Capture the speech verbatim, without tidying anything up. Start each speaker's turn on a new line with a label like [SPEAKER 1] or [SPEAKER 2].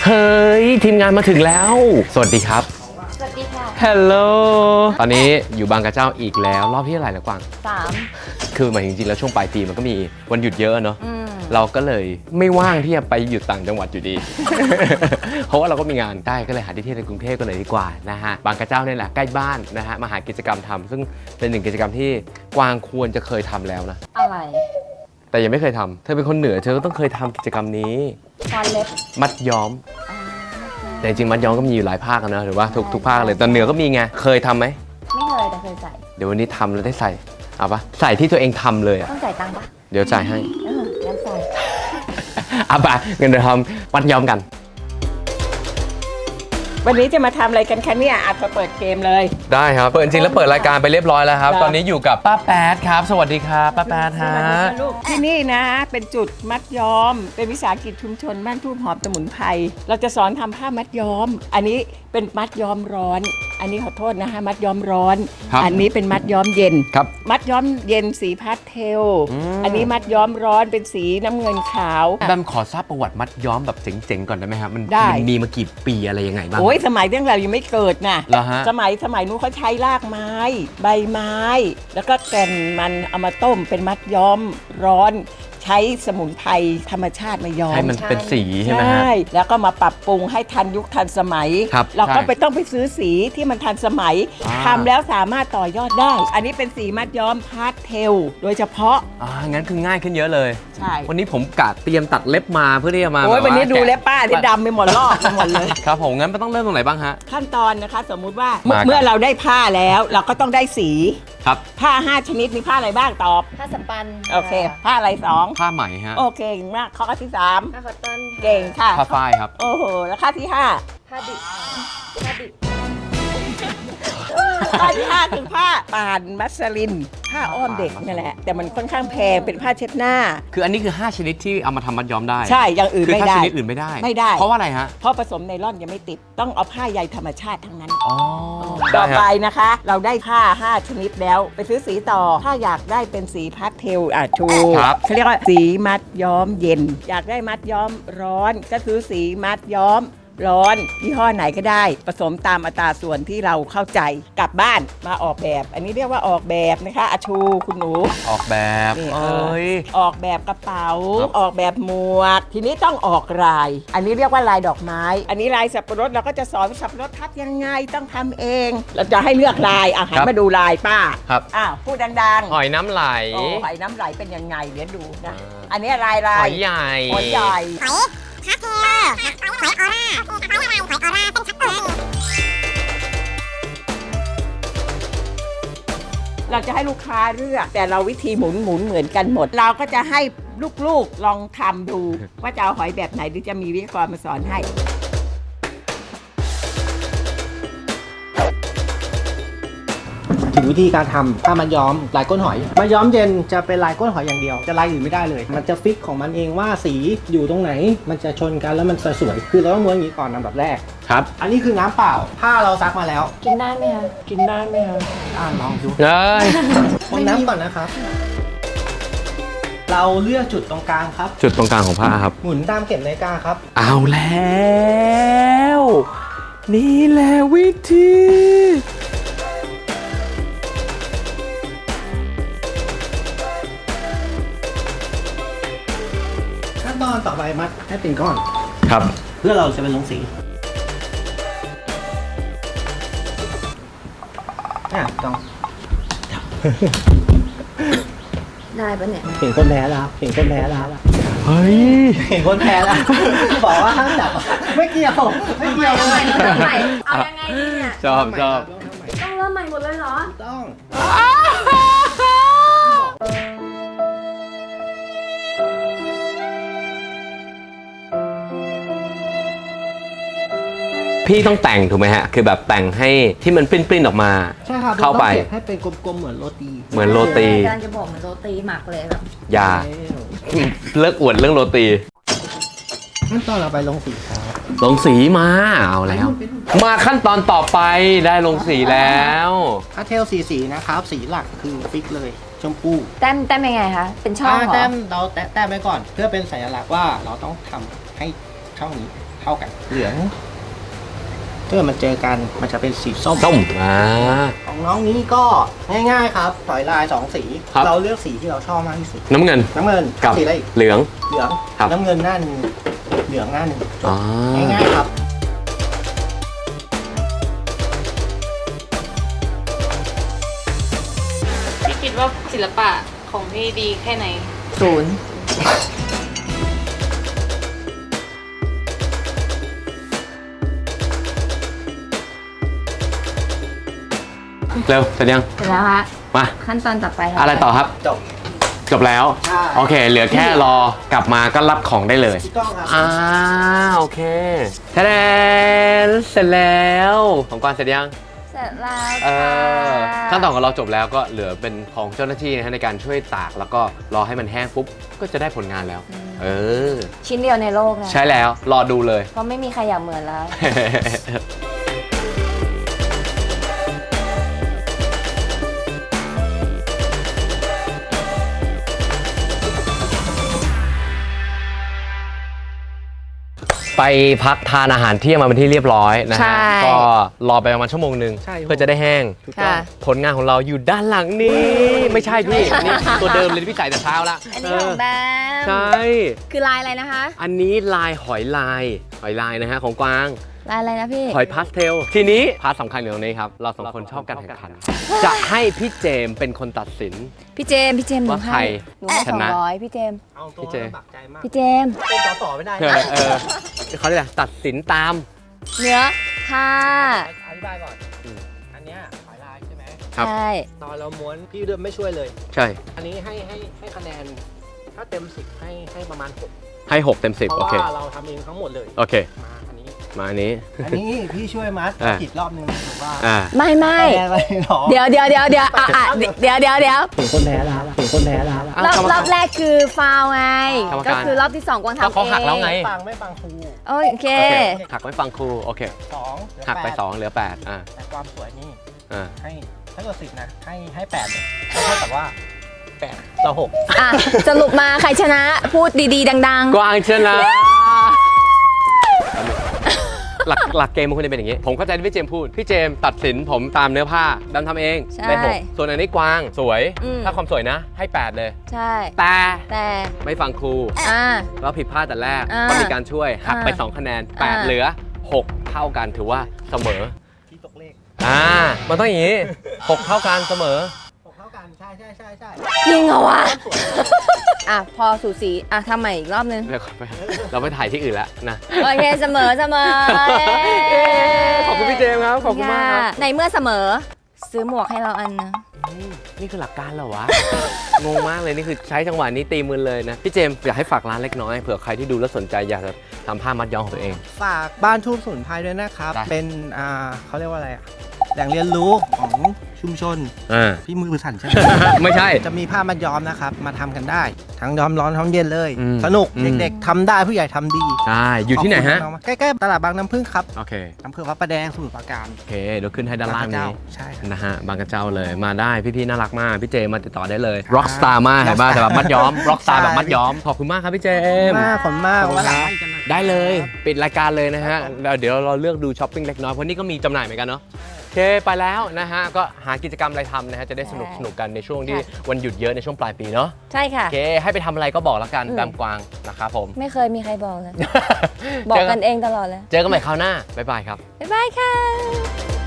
[SPEAKER 1] เฮ้ยทีมงานมาถึงแล้วสวัสดีครับ
[SPEAKER 2] สวัสดีค่ะ
[SPEAKER 1] ฮัลโหลตอนนี้อยู่บางกระเจ้าอีกแล้วรอบที่เท่าไหร่แล้วกวาง
[SPEAKER 2] สาม
[SPEAKER 1] คือหมายจริงๆแล้วช่วงปลายปีมันก็มีวันหยุดเยอะเนาะเราก็เลยไม่ว่างที่จะไปหยุดต่างจังหวัดอยู่ดี เพราะว่าเราก็มีงานได้ก็เลยหาที่เที่ยวในกรุงเทพกันเลยดีกว่านะฮะบางกระเจ้าเนี่ยแหละใกล้บ้านนะฮะมาหากิจกรรมทำซึ่งเป็นหนึ่งกิจกรรมที่กวางควรจะเคยทำแล้วนะ
[SPEAKER 2] อะไร
[SPEAKER 1] แต่ยังไม่เคยทำเธอเป็นคนเหนือเธอก็ต้องเคยทำกิจกรรมนี้
[SPEAKER 2] ฟันเล็บ
[SPEAKER 1] มัดย้อมแต่จริงๆมัดย้อมก็มีอยู่หลายภาคนะหรือว่าทุกทุกภาคเลยตอนเหนือก็มีไงเคยทำไหม
[SPEAKER 2] ไม่เคยแต่เคยใส่
[SPEAKER 1] เดี๋ยววันนี้ทำแล้วได้ใส่เอาปะใส่ที่ตัวเองทำเลย
[SPEAKER 2] ต้องจ่ายตังค์ปะ
[SPEAKER 1] เดี๋ยวจ่ายให้
[SPEAKER 2] เออแล้วใส่
[SPEAKER 1] เอาปะเงินเดือนทำมัดย้อมกัน
[SPEAKER 3] วันนี้จะมาทำอะไรกันคะเนี่ยอาจจะเปิดเกมเลย
[SPEAKER 1] ได้ครับเปิดจริงแล้วเปิดรายการไปเรียบร้อยแล้วครับตอนนี้อยู่กับป้าแป๊ดครับสวัสดีครับป้าแป๊ดฮะ
[SPEAKER 3] ที่นี่นะเป็นจุดมัดย้อมเป็นวิสาหกิจชุมชนบ้านทุ่งหอมสมุนไพรเราจะสอนทำผ้ามัดย้อมอันนี้เป็นมัดย้อมร้อนอันนี้ขอโทษนะฮะมัดย้อมร้อนอันนี้เป็นมัดย้อมเย็น
[SPEAKER 1] ครับ
[SPEAKER 3] มัดย้อมเย็นสีพาสเทลอันนี้มัดย้อมร้อนเป็นสีน้ำเงินขาว
[SPEAKER 1] แบมขอทราบประวัติมัดย้อมแบบเจ๋งๆก่อนได้ไหมครับมันมีมากี่ปีอะไรยังไงบ้าง
[SPEAKER 3] โอ้ยสมัยเรื่องเรายังไม่เกิดนะสมัยสมัยนู้นเขาใช้รากไม้ใบไม้แล้วก็แก่นมันเอามาต้มเป็นมัดย้อมร้อนใช้สมุนไพรธรรมชาติมาย้อม
[SPEAKER 1] ให้มันเป็นสีใช่ไหมฮะใช่
[SPEAKER 3] แล้วก็มาปรับปรุงให้ทันยุคทันสมัยเราก็ไปต้องไปซื้อสีที่มันทันสมัยทำแล้วสามารถต่อยอดได้อันนี้เป็นสีมัดย้อมพาสเทลโดยเฉพาะ
[SPEAKER 1] อ่างั้นคือง่ายขึ้นเยอะเลย
[SPEAKER 3] ใช่
[SPEAKER 1] วันนี้ผมกะเตรียมตัดเล็บมาเพื่อที่จะมา
[SPEAKER 3] โอ้ยวันนี้ดูเล็บป้าที่ดำไปหมดลอกไปหมดเลย
[SPEAKER 1] ครับผมงั้นต้องเริ่มตรงไหนบ้างฮะ
[SPEAKER 3] ขั้นตอนนะคะสมมุติว่าเมื่อเราได้ผ้าแล้วเราก็ต้องได้สี
[SPEAKER 1] ครับ
[SPEAKER 3] ผ้าห้าชนิดมีผ้าอะไรบ้างตอบ
[SPEAKER 2] ผ้าสปัน
[SPEAKER 3] โอเคผ้าอะไรสอง
[SPEAKER 1] ผ้าไหมฮะ
[SPEAKER 3] โอเคเก่งมากข้อที่สาม
[SPEAKER 2] ผ้าคอตตอน
[SPEAKER 3] เก่งค่ะ
[SPEAKER 1] ผ้าฝ้ายครับ
[SPEAKER 3] โอ้โหแล้วข้อที่ห้า
[SPEAKER 2] ผ้าดิบผ้าดิบ
[SPEAKER 3] ผ้าที่ห้าคือผ้าป่านมัสลินผ้าอ้อมเด็กนั่นแหละแต่มันค่อนข้างแพงเป็นผ้าเช็ดหน้า
[SPEAKER 1] คืออันนี้คือห้าชนิดที่เอามาทำมัดย้อมได้
[SPEAKER 3] ใช่อย่างอื่นไม่ได้
[SPEAKER 1] คือถ้าชนิดอื่นไม่ได้
[SPEAKER 3] ไม่ได้
[SPEAKER 1] เพราะว่าอะไรฮะ
[SPEAKER 3] เพราะผสมไนล่อนยังไม่ติดต้องเอาผ้าใยธรรมชาติทั้งนั้น
[SPEAKER 1] อ๋อ
[SPEAKER 3] ต่อไปนะคะเราได้ผ้าห้าชนิดแล้วไปซื้อสีต่อถ้าอยากได้เป็นสีพาสเทลอ่ะชูเขาเรียกว่าสีมัดย้อมเย็นอยากได้มัดย้อมร้อนก็ซื้อสีมัดย้อมร้อนยี่ห้อไหนก็ได้ผสมตามอัตราส่วนที่เราเข้าใจกลับบ้านมาออกแบบอันนี้เรียกว่าออกแบบนะคะอาชูคุณหนู
[SPEAKER 1] ออกแบบเอ้ย
[SPEAKER 3] ออกแบบกระเป๋าออกแบบหมวกทีนี้ต้องออกลายอันนี้เรียกว่าลายดอกไม้อันนี้ลายสับปะรดเราก็จะสอนสับปะรดทับยังไงต้องทำเองเราจะให้เลือกลายอ่ะหันมาดูลายป้า
[SPEAKER 1] ครับ
[SPEAKER 3] อ้าวพูดดัง
[SPEAKER 1] ๆหอยน้ำไหล
[SPEAKER 3] โอ้หอยน้ำไหลเป็นยังไงเดี๋ยวดูนะอันนี้ลายลาย
[SPEAKER 1] หอยใหญ่
[SPEAKER 3] หอยใหญ่
[SPEAKER 2] พาสเทลหอยออร่าหอยออร่าเป็นชัดเจน
[SPEAKER 3] เราจะให้ลูกค้าเลือกแต่เราวิธีหมุนหมุนเหมือนกันหมดเราก็จะให้ลูกๆลองทำดูว่าจะเอาหอยแบบไหนหรือจะมีวิทยากรมาสอนให้
[SPEAKER 4] ถึงวิธีการทำถ้ามันย้อมลายก้นหอยมันย้อมเย็นจะเป็นลายก้นหอยอย่างเดียวจะลายอื่นไม่ได้เลยมันจะฟิกของมันเองว่าสีอยู่ตรงไหนมันจะชนกันแล้วมันสวยคือเราต้องม้วนอย่างนี้ก่อนอันดับแรก
[SPEAKER 1] ครับ
[SPEAKER 4] อันนี้คือน้ำเปล่าผ้าเราซักมาแล้ว
[SPEAKER 2] กินได้ไหมคะ
[SPEAKER 3] กินได้ไหมคะ
[SPEAKER 4] อ่าลองดู
[SPEAKER 1] เลย
[SPEAKER 4] ม้วนน้ำก่อนนะครับเราเลือกจุดตรงกลางครับ
[SPEAKER 1] จุดตรงกลางของผ้าครับ
[SPEAKER 4] หมุนตามเข็มนาฬิกาครับ
[SPEAKER 1] เอาแล้วนี่แหละวิธี
[SPEAKER 4] ขั้นตอนต่อไปมัดให้เป็นก้อน
[SPEAKER 1] ครับ
[SPEAKER 4] เพื่อเราจะไปลงสีอ่ะต้อง
[SPEAKER 2] ได้ปะเนี่ย
[SPEAKER 4] เห็นคนแพ้แล้วเห็นคนแพ้แล้ว
[SPEAKER 1] เฮ้ย
[SPEAKER 4] เห็นคนแพ้แล้วบอกว่าห้ามจับไม่เกี่ยวไม่เกี่ยว
[SPEAKER 2] เอาใหม่เอาใหม่เอายังไงเนี่ย
[SPEAKER 1] ชอบชอบ
[SPEAKER 2] ต้องเริ่มใหม่หมดเลยเหรอ
[SPEAKER 4] ต้อง
[SPEAKER 1] พี่ต้องแต่งถูกไหมฮะคือแบบแต่งให้ที่มันปริ้นๆออกมา
[SPEAKER 4] ใช่ครับ
[SPEAKER 1] เข้าไป
[SPEAKER 4] ให้เป็นกลมๆเหมือนโรตี
[SPEAKER 1] เหมือนโรตี
[SPEAKER 2] กำลังจะบอกเหมือนโรตีหมักเลยแบบ
[SPEAKER 1] อย่าเลิกอวดเรื่องโรตี
[SPEAKER 4] ขั้นตอนเราไปลงสีครับ
[SPEAKER 1] ลงสีมาเอาแล้วมาขั้นตอนต่อไปได้ลงสีแล้ว
[SPEAKER 4] พาสเทลสีสีนะครับสีหลักคือฟิกเลยชมพู
[SPEAKER 2] แต้มแต้มยังไงคะเป็นช่องเหรอ
[SPEAKER 4] แต้มเราแต้มไปก่อนเพื่อเป็นสัญลักษณ์ว่าเราต้องทำให้ช่องนี้เท่ากันเหลืองถ้าเกิดมันเจอกันมันจะเป็นสีส้ม
[SPEAKER 1] ส้มอ่า
[SPEAKER 4] ของน้องนี้ก็ง่ายๆครับถอยลายสองสี
[SPEAKER 1] ครับ
[SPEAKER 4] เราเลือกสีที่เราชอบมากที่สุด
[SPEAKER 1] น้ำเงิน
[SPEAKER 4] น้ำเงิน
[SPEAKER 1] กับ
[SPEAKER 4] สีอะไรอีก
[SPEAKER 1] เหลือง
[SPEAKER 4] เหลือง
[SPEAKER 1] ครับ
[SPEAKER 4] น้ำเงินหน้าหนึ่งเหลืองหน้าหนึ่งจ
[SPEAKER 1] อ๋อบ
[SPEAKER 4] ง่ายๆครับ
[SPEAKER 5] พี่คิดว่าศิลปะของพี่ดีแค่ไหน
[SPEAKER 3] ศูนย์
[SPEAKER 1] เร็วเสร็จยัง
[SPEAKER 5] เสร็จแล้วฮะ
[SPEAKER 1] มา
[SPEAKER 5] ขั้นตอนต่อไปค่
[SPEAKER 1] อะไรต่อครับ
[SPEAKER 4] จบ
[SPEAKER 1] จบแล้ว
[SPEAKER 4] ใช่
[SPEAKER 1] โอเค เหลือแค่รอกลับมาก็รับของได้เลย
[SPEAKER 4] ถูกต้องครับ
[SPEAKER 1] อ่าโอเคแทนเสร็จแล้วของกวางเสร็จยัง
[SPEAKER 5] เสร็จแล้ว
[SPEAKER 1] เอ
[SPEAKER 5] ค่ะ
[SPEAKER 1] อขั้นตอนของเราจบแล้วก็เหลือเป็นของเจ้าหน้าที่นะฮะในการช่วยตากแล้วก็รอให้มันแห้งปุ๊บก็จะได้ผลงานแล้ว เออ
[SPEAKER 5] ชิ้นเดียวในโลกนะ
[SPEAKER 1] ใช่แล้วรอดูเลย
[SPEAKER 5] เพราะไม่มีใครอยากเหมือนแล้ว
[SPEAKER 1] ไปพักทานอาหารเที่ยงมาเป็นที่เรียบร้อยนะ
[SPEAKER 5] ใช่
[SPEAKER 1] ฮะก็รอไปประมาณชั่วโมงหนึ่ง
[SPEAKER 4] ใช่
[SPEAKER 1] เพื่อจะได้แห้ง
[SPEAKER 4] ถูกต้อง
[SPEAKER 5] ค่ะ
[SPEAKER 1] ผลงานของเราอยู่ด้านหลังนี้ไม่ใช่พี่นี่ตัวเดิมเลยที่พี่ใส่แต่เช้าละ
[SPEAKER 5] อันนี้ของแบม
[SPEAKER 1] ใช่
[SPEAKER 5] คือลายอะไรนะคะ
[SPEAKER 1] อันนี้ลายหอยลายหอยลายนะฮะของกวาง
[SPEAKER 5] ลายอะไรนะพี่
[SPEAKER 1] หอยพาสเทลทีนี้พาร์ทสำคัญอยู่ตรงนี้ครับเราสองคนชอบการแข่งขัน จะให้พี่เจมส์เป็นคนตัดสิน
[SPEAKER 5] พี่เจมส์พี่เจมส์หนู
[SPEAKER 1] ว่าใคร
[SPEAKER 5] ให้หนูให้
[SPEAKER 1] ช
[SPEAKER 5] สอง
[SPEAKER 1] นะ
[SPEAKER 5] ร้อยพี่เจมส์
[SPEAKER 4] เอาตัว
[SPEAKER 1] พี่เจ
[SPEAKER 4] ลำบากใจมาก
[SPEAKER 5] พี่เจมส์
[SPEAKER 4] เป็นต่อต่อไม่ได้
[SPEAKER 1] เออเออเขาเรียกอะไรตัดสินตาม
[SPEAKER 5] เนื้อผ้า
[SPEAKER 4] อธิบายก่อน
[SPEAKER 1] อืม
[SPEAKER 4] อันเนี้ยหอยลายใช่ไหม
[SPEAKER 1] ครับ
[SPEAKER 5] ใช่
[SPEAKER 4] ตอนเราม้วนพี่เดิมไม่ช่วยเลย
[SPEAKER 1] ใช่
[SPEAKER 4] อันนี้ให้ให้ให้คะแนน ถ้าเต็มสิบให้ให้ประมาณหก
[SPEAKER 1] ให้หกเต็มสิบ
[SPEAKER 4] เพ
[SPEAKER 1] โอ
[SPEAKER 4] ราะ
[SPEAKER 1] เค
[SPEAKER 4] ว่าเราทำเองทั้งหมดเลย
[SPEAKER 1] โอเค
[SPEAKER 4] มาอันนี้
[SPEAKER 1] มาอันนี้
[SPEAKER 4] อันนี้พี่ช่วยมัด
[SPEAKER 1] อ่า
[SPEAKER 4] ผิดรอบนึงถือว่า
[SPEAKER 1] อ่า
[SPEAKER 5] ไม่ไม่
[SPEAKER 4] คะแนนอะไรหรอ
[SPEAKER 5] เดี๋ยวเดี๋ยวเดี๋ยวเดี๋ยวอ่ะอ่ะเดี๋ยวเดี๋ยวเดี๋ยว
[SPEAKER 4] ถึงคนแพ้แล้วถึงคนแพ้แล้ว
[SPEAKER 1] อ่ะ
[SPEAKER 5] รอบ
[SPEAKER 1] กรรม
[SPEAKER 5] ร
[SPEAKER 1] การ
[SPEAKER 5] อบแรกคือฟาวล์ไง
[SPEAKER 1] กรรม
[SPEAKER 5] ก็
[SPEAKER 1] การ
[SPEAKER 5] คือรอบที่สองกวางทำเอง
[SPEAKER 1] ก็เขาหักแล้วไง
[SPEAKER 4] ฟังไม่ฟังครู
[SPEAKER 5] โอเค
[SPEAKER 1] โอเคหักไม่ฟังครูโอเค
[SPEAKER 4] สองเหลือ
[SPEAKER 1] หักไป
[SPEAKER 4] แปด
[SPEAKER 1] สองเหลือแปดอ่า
[SPEAKER 4] แต่ความสวยนี่
[SPEAKER 1] อ่า
[SPEAKER 4] ให้ถ้าเกิดสิบนะให้ให้แปดเลยก็เท่ากับว่าแปดเราหก
[SPEAKER 5] อ่ะสรุปมาใครชนะพูดดีๆ ดัง
[SPEAKER 1] กวางชนะหลักหลักเกมมันควรจะเป็นอย่างนี้ ผมเข้าใจที่พี่เจมส์พูด พี่เจมส์ตัดสินผมตามเนื้อผ้าดำทำเอง
[SPEAKER 5] ใช่
[SPEAKER 1] ได้หกส่วนอันนี้กวางสวย
[SPEAKER 5] อืม
[SPEAKER 1] ถ้าความสวยนะ ให้แปดเลย
[SPEAKER 5] ๆ ใช่
[SPEAKER 1] แต่
[SPEAKER 5] แต่
[SPEAKER 1] ไม่ฟังครู
[SPEAKER 5] อ่า
[SPEAKER 1] แล้วผิดพลาดแต่แรก
[SPEAKER 5] อ่า
[SPEAKER 1] ก็มีการช่วยหักไป
[SPEAKER 5] อ่า
[SPEAKER 1] สองคะแนนแปด
[SPEAKER 5] อ่า
[SPEAKER 1] เหลือหกเท่ากันถือว่าเสมอ
[SPEAKER 4] ที่ตกเลข
[SPEAKER 1] อ่ามันต้องอย่างนี้หกเท่ากันเสมอ
[SPEAKER 4] หกเท่ากันใช่ใช่ใช่ใช่
[SPEAKER 5] จริงเหรอวะ อ่ะพอสูสีอ่ะทำใหม่อีกรอบนึง
[SPEAKER 1] เดี๋ยวก่อนไปเราไปถ่ายที่อื่นแล้วนะ
[SPEAKER 5] โอเคเสมอเสมอ
[SPEAKER 1] เย้ขอบคุณพี่เจมส์ครับขอบคุณมากครับ
[SPEAKER 5] ในเมื่อเสมอ ซื้อหมวกให้เราอันนะ
[SPEAKER 1] นี่นี่คือหลักการเหรอวะ งงมากเลยนี่คือใช้จังหวะนี้ตีมือเลยนะ พี่เจมส์อยากให้ฝากร้านเล็กน้อยเผื่อใครที่ดูแล้วสนใจอยากจะทำผ้ามัดย้อมของตัวเอง
[SPEAKER 4] ฝากบ้านทูบสมุนไพรด้วยนะครับ
[SPEAKER 1] ได้
[SPEAKER 4] เป็นอ่าเขาเรียกว่าอะไรอ่ะแหล่งเรียนรู้ของชุมชน
[SPEAKER 1] อ่า
[SPEAKER 4] พี่มือสั่นใช่ไหม
[SPEAKER 1] ไม่ใช่
[SPEAKER 4] จะมีผ้ามัดย้อมนะครับ มาทำกันได้ ทั้งย้อมร้อนย้อมเย็นเลย
[SPEAKER 1] อืม
[SPEAKER 4] สนุก
[SPEAKER 1] อืม
[SPEAKER 4] เด็กๆทำได้ผู้ใหญ่ทำดี
[SPEAKER 1] ใช่อยู่ที่ไหนฮะ
[SPEAKER 4] ขอบคุณมากๆใกล้ๆตลาดบางน้ำพึ่งครับ
[SPEAKER 1] โอเค
[SPEAKER 4] อำเภอพระประแดงสมุทรปราการ
[SPEAKER 1] โอเคเดี๋ยวขึ้นให้ด้านล่าง
[SPEAKER 4] บพระเจ้
[SPEAKER 1] นี้
[SPEAKER 4] ใช่ครับ
[SPEAKER 1] นะฮะบางกระเจ้าเลยมาได้พี่ๆน่ารักมากพี่เจมาติดต่อได้เลย Rockstar มากเห็นป่ะแต่แบบมัดย้อม Rockstar แบบมัดย้อมขอบคุณมากครับพี่เจมส์
[SPEAKER 4] มากขอบคุณมาก
[SPEAKER 1] ขอบคุณ
[SPEAKER 4] วันหลัง
[SPEAKER 1] ครับ
[SPEAKER 4] มาอีกกันนะ
[SPEAKER 1] ได้เลยปิดรายการเลยนะฮะแล้วเดี๋ยวเราเลือกดูช้อปปิ้งเล็กน้อยเพราะนี่ก็มีจำหน่ายเหมือนกันเนาะโอเคไปแล้วนะฮะก็หากิจกรรมอะไรทำนะฮะจะได้สนุกสนุกกันในช่วงที่วันหยุดเยอะในช่วงปลายปีเนาะ
[SPEAKER 5] ใช่ค่ะ
[SPEAKER 1] โอเคให้ไปทำอะไรก็บอกแล้วกัน
[SPEAKER 5] อืม
[SPEAKER 1] แบมกวางนะครับผม
[SPEAKER 5] ไม่เคยมีใครบอกเลย บอกกันเองตลอดเลย
[SPEAKER 1] เจอกันใหม่คราวหน้าบ๊ายบายครับ
[SPEAKER 5] บ๊ายบายค่ะ